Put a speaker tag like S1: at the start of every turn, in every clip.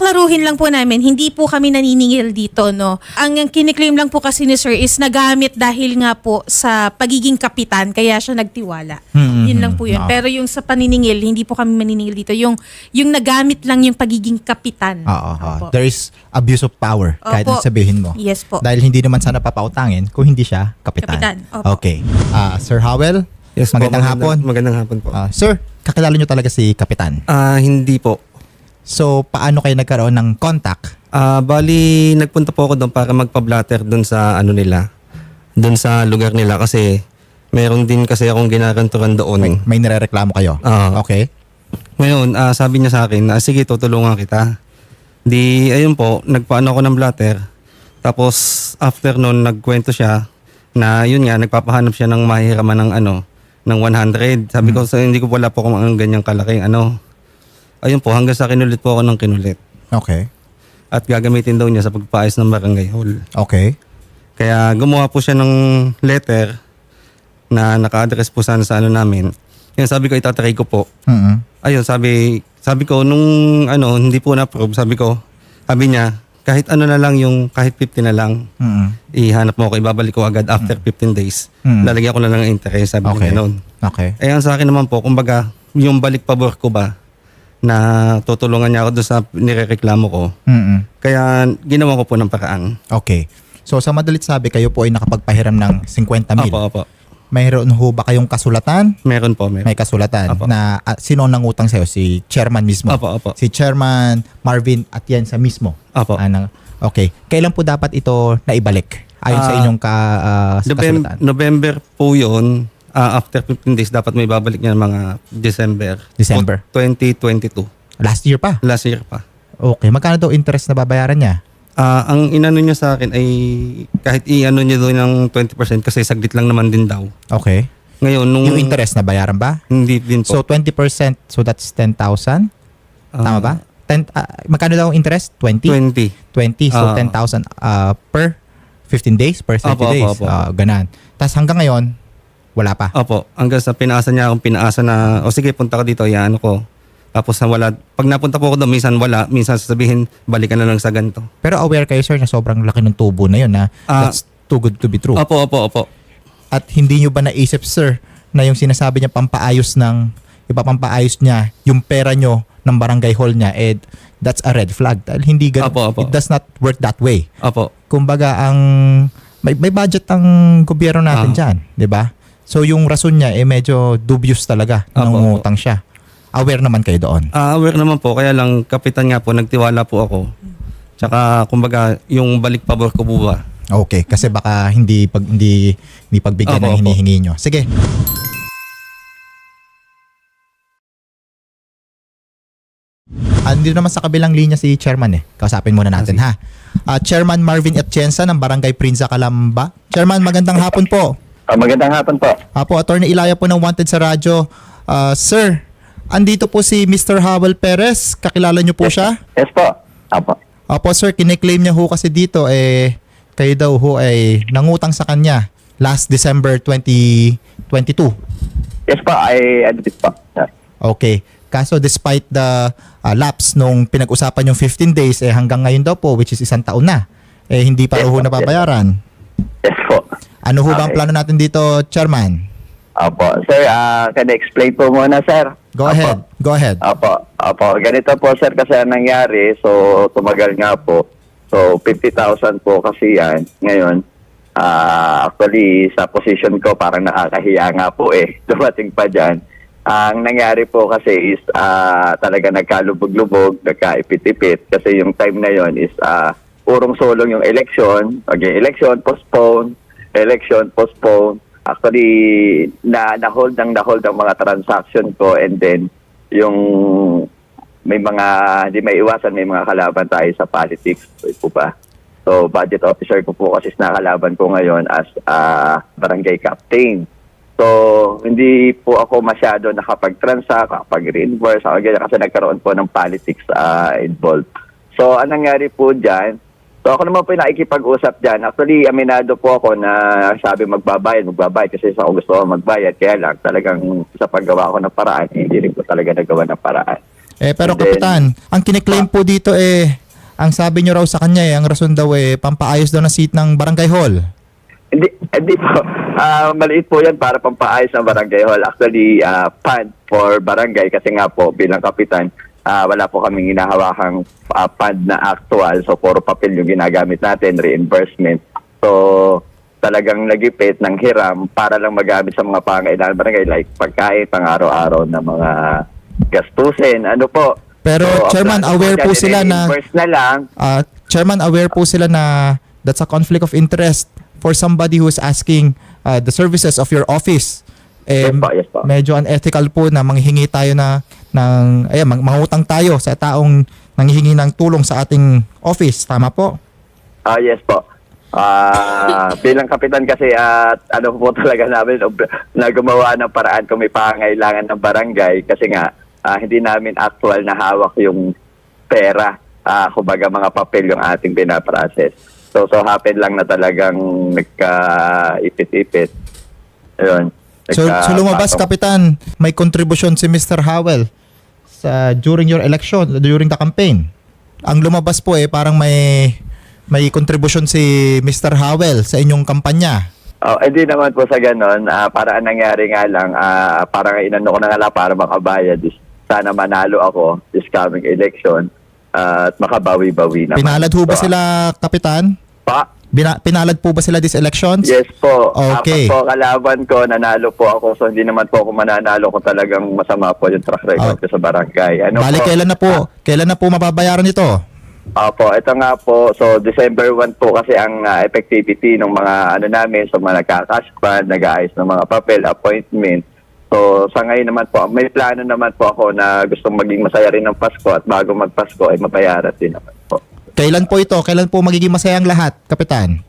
S1: paklaruhin lang po namin, hindi po kami naniningil dito, no. Ang kiniklaim lang po kasi ni Sir is nagamit dahil nga po sa pagiging kapitan, kaya siya nagtiwala. Yun lang po yun. Pero yung sa paniningil, hindi po kami maniningil dito. Yung nagamit lang yung pagiging kapitan.
S2: Oo. There is abuse of power, kahit
S1: Opo.
S2: ang sabihin mo.
S1: Yes po.
S2: Dahil hindi naman sana papautangin kung hindi siya kapitan.
S1: Kapitan, opo.
S2: Okay. Sir Howell,
S3: Yes po,
S2: magandang hapon.
S3: Magandang hapon po.
S2: Sir, kakilala nyo talaga si kapitan.
S3: Hindi po.
S2: So, paano kayo nagkaroon ng contact?
S3: Bali, nagpunta po ako doon para magpa-blatter doon sa ano nila. Doon sa lugar nila kasi meron din kasi akong ginaganturan doon.
S2: May nirereklamo kayo? Okay.
S3: Ngayon, sabi niya sa akin, sige, tutulungan kita. Di, ayun po, nagpaano ako ng blatter. Tapos, after noon, nagkwento siya na yun nga, nagpapahanap siya ng mahihiraman ng ng 100. Sabi ko, hindi ko wala po kung ang ganyang kalaking Ayun po, hanggang sa kinulit po ako ng kinulit.
S2: Okay.
S3: At gagamitin daw niya sa pagpaayos ng barangay hall.
S2: Okay.
S3: Kaya gumawa po siya ng letter na naka-address po sana sa namin. Yan, sabi ko, itatry ko po. Ayun, sabi ko, nung hindi po na-approve, sabi niya, kahit na lang yung, kahit 50 na lang, ihanap mo ako, ibabalik ko agad after 15 days. Lalagyan ko na lang ng interest, sabi niya noon.
S2: Okay.
S3: Eh, ang sa akin naman po, kumbaga, yung balik pabor ko ba, na tutulungan niya ako doon sa nirereklamo ko. Kaya ginawa ko po ng paraan.
S2: Okay. So sa madalit sabi, kayo po ay nakapagpahiram ng 50 mil.
S3: Opo.
S2: Mayroon ho ba kayong kasulatan?
S3: Meron po, meron.
S2: May kasulatan.
S3: Opo.
S2: Na sino ang nangutang sa'yo? Si chairman mismo?
S3: Opo.
S2: Si chairman Marvin Atienza mismo?
S3: Opo.
S2: Okay. Kailan po dapat ito naibalik? Ayon sa inyong kasulatan?
S3: November po yun. After 15 days, dapat may babalik niya ng mga December. 2022.
S2: Last year pa?
S3: Last year pa.
S2: Okay. Magkano daw interest na babayaran niya?
S3: Ang inano niya sa akin ay kahit i-ano niya doon ng 20% kasi saglit lang naman din daw.
S2: Okay.
S3: Ngayon,
S2: Yung interest na bayaran ba?
S3: Hindi din po.
S2: So 20%, so that's 10,000? Tama ba? Magkano daw ang interest? 20? 20. So 10,000 per 15 days? Per 30 days?
S3: Opo.
S2: Ganan. Tapos hanggang ngayon, wala pa?
S3: Opo. Hanggang sa pinaasa niya akong pinaasa na, sige, punta ka dito, iano ko. Tapos na wala. Pag napunta po ako doon, minsan wala. Minsan sasabihin, balikan na lang sa ganito.
S2: Pero aware kayo, sir, na sobrang laki ng tubo na yun, na that's too good to be true.
S3: Opo.
S2: At hindi nyo ba naisip, sir, na yung sinasabi niya pampaayos niya yung pera nyo ng barangay hall niya, that's a red flag. Dahil hindi
S3: Opo.
S2: it does not work that way.
S3: Opo.
S2: Kumbaga, may budget ang gobyerno natin dyan, di ba? So yung rason niya, medyo dubious talaga nang utang siya. Aware naman kayo doon?
S3: Aware naman po, kaya lang kapitan nga po, nagtiwala po ako. Tsaka kumbaga yung balik pabor ko po ba.
S2: Okay, kasi baka hindi pagbigyan ng hinihingi nyo. Sige. Andito naman sa kabilang linya si Chairman Kausapin muna natin ha. Chairman Marvin Atienza ng Barangay Prinza, Calamba. Chairman, magandang hapon po.
S4: Magandang hapon po.
S2: Apo, Attorney Ilaya po ng Wanted sa radyo. Sir, andito po si Mr. Howell Perez. Kakilala niyo po siya?
S4: Yes po. Apo.
S2: Opo sir, kiniklaim niya ho kasi dito kayo daw ho ay nangutang sa kanya last December 2022.
S4: Yes po, I admit po.
S2: Okay. Kaso despite the lapse nung pinag-usapan yung 15 days, hanggang ngayon daw po, which is 1 taon na, hindi pa
S4: Yes,
S2: ho
S4: po.
S2: nababayaran.
S4: Yes po.
S2: Ano ho ba ang
S4: Okay.
S2: plano natin dito, Chairman?
S4: Apo. Sir, can I explain po muna, sir?
S2: Go ahead. Go ahead.
S4: Apo. Ganito po, sir, kasi ang nangyari. So, tumagal nga po. So, 50,000 po kasi yan. Ngayon, actually, sa position ko, parang nakakahiya nga po dumating pa dyan. Ang nangyari po kasi is talaga nagkalubog-lubog, nagkaipit-ipit. Kasi yung time na yon is purong sulong yung election. Okay, election, postpone. Election, postpone. Actually, na-hold ang mga transaction ko, and then yung may mga, hindi may iwasan, may mga kalaban tayo sa politics. Po ba? So, budget officer ko po kasi nakalaban ko ngayon as barangay captain. So, hindi po ako masyado nakapag-transact, nakapag-reimburse, kasi nagkaroon po ng politics involved. So, anong nangyari po dyan? So, ako naman po yung nakikipag-usap dyan. Actually, aminado po ako na sabi magbabayad kasi sa ako gusto ko magbayad. Kaya lang, talagang sa paggawa ko ng paraan, hindi rin po talaga nagawa ng paraan.
S2: Pero
S4: And then,
S2: Kapitan, ang kiniklaim po dito ang sabi nyo raw sa kanya ang rason daw pampaayos daw ng seat ng barangay hall.
S4: Hindi po. Maliit po yan para pampaayos ng barangay hall. Actually, fund for barangay kasi nga po bilang kapitan, wala po kaming hinahawakang fund na actual. So, puro papel yung ginagamit natin, reimbursement. So, talagang nagipit ng hiram para lang magamit sa mga pangailangan barangay like pagkain, pang-araw-araw na mga gastusin. Ano po?
S2: Pero Chairman, aware po sila na
S4: reimburse na lang.
S2: Chairman, aware po sila na that's a conflict of interest for somebody who is asking the services of your office.
S4: Yes po.
S2: Medyo unethical po na manghihingi tayo mangutang tayo sa taong nanghihingi ng tulong sa ating office. Tama po?
S4: Yes po. Bilang kapitan kasi ano po talaga namin na gumawa ng paraan kung may pangailangan ng barangay kasi nga hindi namin actual na hawak yung pera, kumbaga mga papel yung ating pinaprocess. So happen lang na talagang nagka-ipit-ipit. Ayun.
S2: So lumabas, Kapitan, may contribution si Mr. Howell during your election, during the campaign. Ang lumabas po parang may contribution si Mr. Howell sa inyong kampanya.
S4: Hindi naman po sa ganon. Para ang nangyari nga lang, parang inano ko na nga lang para makabayad. Sana manalo ako this coming election at makabawi-bawi naman.
S2: Pinalad ho ba sila, Kapitan? Pinalad po ba sila this elections?
S4: Yes po.
S2: Okay.
S4: Apat po kalaban ko, nanalo po ako. So hindi naman po ako mananalo kung talagang masama po yung track record ko sa barangay.
S2: Bali, kailan na po mababayaran ito?
S4: Opo, ito nga po. So December 1 po kasi ang effectivity ng mga namin. So mga nagka-cash fund, nag-aayos ng mga papel, appointment. So sa ngayon naman po, may plano naman po ako na gustong maging masaya rin ng Pasko at bago magpasko ay mabayaran din naman po.
S2: Kailan po ito? Kailan po magiging masaya ang lahat, Kapitan?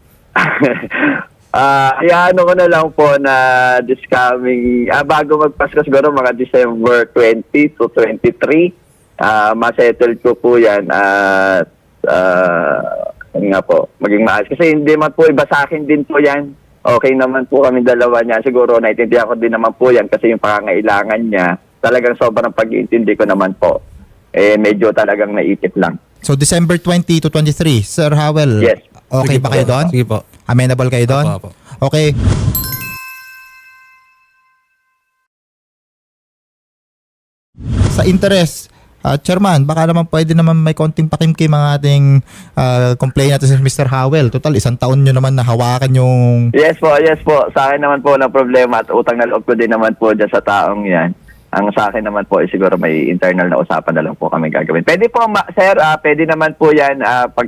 S4: Iyaano ko na lang po na this coming, bago magpasko siguro mga December 20 to 23, masettle ko po yan at nga po, maging maayos. Kasi hindi man po iba sa akin din po yan. Okay naman po kami dalawa niya. Siguro naiintindihan ko din naman po yan kasi yung pangangailangan niya, talagang sobrang pag-iintindi ko naman po. Medyo talagang naipit lang.
S2: So December 20 to 23, Sir Howell.
S4: Yes.
S2: Okay ba kayo doon?
S3: Sige po.
S2: Amenable kayo doon?
S3: Apo.
S2: Okay. Sa interest, Chairman, baka naman pwede naman may konting pakimkim ang ating complaint natin si Mr. Howell. Total, 1 taon nyo naman na hawakan yung...
S4: Yes po. Sa akin naman po ng problema at utang na loob ko din naman po dyan sa taong yan. Ang sa akin naman po siguro may internal na usapan na lang po kami gagawin. Pwede po, sir, pwede naman po yan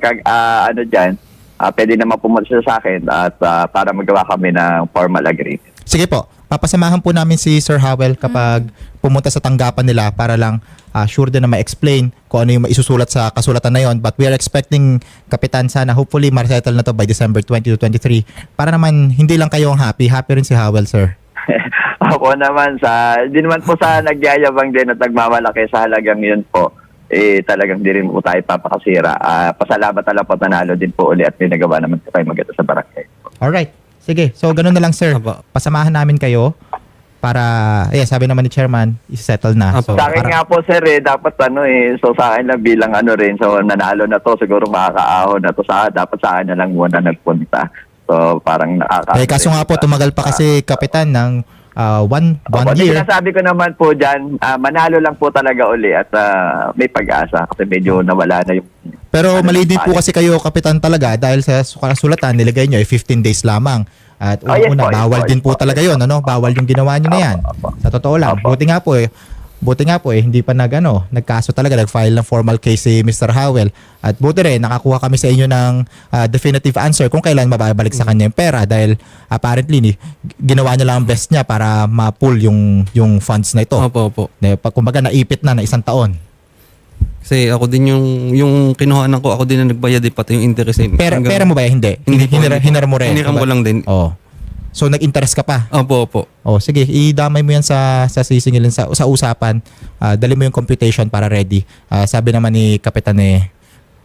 S4: pwede naman pumunta siya sa akin at para magawa kami ng formal agreement.
S2: Sige po, papasamahan po namin si Sir Howell kapag pumunta sa tanggapan nila para lang sure din na ma-explain kung ano yung maisusulat sa kasulatan na yon. But we are expecting, Kapitan, sana hopefully ma-settle na to by December 20 to 23 para naman hindi lang kayo ang happy rin si Howell, sir.
S4: Ako naman hindi naman po sa nagyayabang din at nagmamalaki sa halagang yun po. Talagang di rin po tayo papakasira. Pasalamat na lang po, nanalo din po uli at pinagawa naman po kayo maganda sa barangay.
S2: Alright. Sige. So, ganun na lang, sir.
S3: Apo.
S2: Pasamahan namin kayo para, sabi naman ni Chairman, isettle na.
S3: Apo.
S2: So,
S4: Sa akin nga po, sir, dapat so sa akin lang bilang rin, so nanalo na to, siguro makakaahon na to dapat sa akin na lang muna nagpunta. So, parang
S2: kaso nga po, tumagal pa kasi, Kapitan, ng one year.
S4: Sinasabi ko naman po dyan, manalo lang po talaga uli at may pag-asa kasi medyo nawala na yung...
S2: Pero mali din po kasi kayo, Kapitan, talaga dahil sa kasulatan, nilagay nyo 15 days lamang. At bawal din po talaga yun. Bawal yung ginawa nyo na yan. Sa totoo lang. Buti nga po hindi pa nagkaso talaga, nag-file ng formal case si Mr. Howell. At buti rin, nakakuha kami sa inyo ng definitive answer kung kailan mababalik sa kanya yung pera dahil apparently ginawa niya lang ang best niya para ma-pull yung funds na ito.
S3: Opo.
S2: Kumbaga naipit na 1 taon.
S3: Kasi ako din yung kinuhanan ko, ako din na nagbayad pati yung interest.
S2: Pera mo ba? Hindi. Hinar mo rin.
S3: Hiniram ko lang din.
S2: Oo. So nag-interest ka pa?
S3: Opo.
S2: Sige, idamay mo yan sa sisingilin sa usapan. Dali mo yung computation para ready. Sabi naman ni Kapitan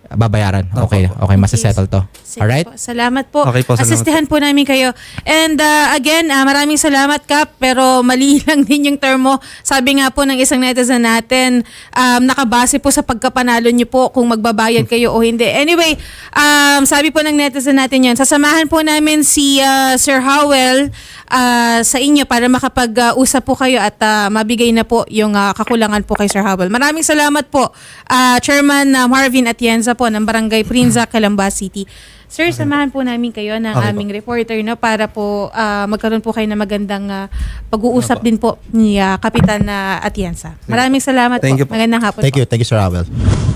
S2: babayaran. Okay, masasettle to.
S1: Sige
S2: Alright?
S1: po. Salamat po.
S3: Okay po, salamat
S1: Asistihan po namin kayo. And again, maraming salamat, Kap. Pero mali lang din yung term mo. Sabi nga po ng isang netizen natin, nakabase po sa pagkapanalo nyo po kung magbabayad kayo o hindi. Anyway, sabi po ng netizen natin yan, sasamahan po namin si Sir Howell sa inyo para makapag-usap po kayo at mabigay na po yung kakulangan po kay Sir Howell. Maraming salamat po, Chairman Marvin Atienza po ng Barangay Prinza, Calamba City. Sir, samahan po namin kayo ng aming reporter para po magkaroon po kayo ng magandang pag-uusap din po ni Kapitan Atienza. Maraming salamat
S3: Thank you
S1: po.
S3: po.
S1: Magandang hapon
S2: Thank
S1: po.
S2: you, Sir Howell.